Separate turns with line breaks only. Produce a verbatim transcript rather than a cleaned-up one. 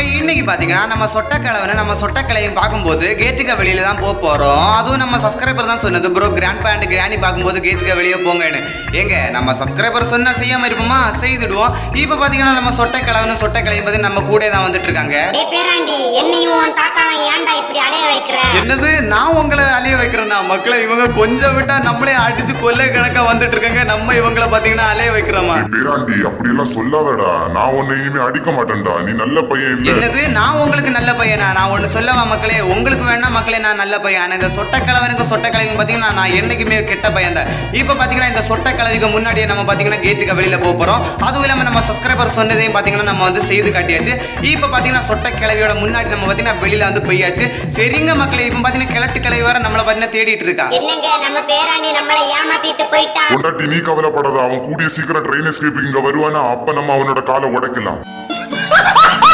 இன்னைக்கு பாத்தீங்கன்னா நம்ம சொட்டக்கிழவனை நம்ம சொட்டக்கிளையும் பார்க்கும்போது கேட்டுக்கு வெளியில தான் போக போறோம். அதுவும் நம்ம சப்ஸ்கிரைபர் தான் சொன்னது, ப்ரோ கிராண்ட் பேண்ட் கிராணி பார்க்கும்போது கேட்டுக்கு வெளியே போங்கன்னு. எங்க நம்ம சப்ஸ்கிரைபர் சொன்னா செய்யாம இருப்போமா? செய்துடுவோம். இப்ப பாத்தீங்கன்னா நம்ம சொட்டக்கிழவனும் சொட்டக்கிளையும் பத்தி நம்ம கூட தான் வந்துட்டு இருக்காங்க. என்னது நான் உங்களை அலைய வைக்கிறேன்னா? மக்களை இவங்க கொஞ்சம் விட்டா நம்மளே அடிச்சு கொள்ளை கணக்கா வந்துட்டு இருக்காங்க. நம்ம இவங்களை பாத்தீங்கன்னா அலைய வைக்கிறோமா?
அப்படி எல்லாம் சொல்லாதடா, நான் உன்னை இனிமே அடிக்க மாட்டேன்டா, நீ நல்ல பையன் இல்ல.
என்னது நான் உங்களுக்கு நல்ல பையனா? நான் ஒண்ணு சொல்லவா மக்களே, உங்களுக்கு வேணா மக்களே நான் நல்ல பையன். ஆனா இந்த சொட்டக்கிழவனுக்கு சொட்டக்கிழவன் பாத்தீங்கன்னா நான் என்னைக்குமே கெட்ட பையன் தான். இப்ப பாத்தீங்கன்னா இந்த சொட்டக்கிழவிக்கு முன்னாடியே நம்ம பாத்தீங்கன்னா கேட்டுக்கு வெளியில போக போறோம். அதுவும் இல்லாம நம்ம சப்ஸ்கிரைபர் சொன்னதையும் பாத்தீங்கன்னா நம்ம வந்து செய்து காட்டியாச்சு. இப்ப பாத்தீங்கன்னா சொட்டக்கிழவியோட முன்னாடி நம்ம பாத்தீங்கன்னா வெளியில வந்து போயாச்சு. சரிங்க மக்களே, இப்ப பாத்தீங்கன்னா கிழட்டு கிழவி வர நம்மள பாத்தீங்கன்னா தேடிட்டு இருக்கா.
என்னங்க நம்ம பேராண்டி நம்மள ஏமாத்திட்டு போயிட்டா.
பொண்டாட்டி நீ கவலைப்படாத, அவன் கூடிய சீக்கிரம் ட்ரெயின் எஸ்கேப் இங்க வருவானா, அப்ப நம்ம அவனோட காலை உடைக்கலாம்.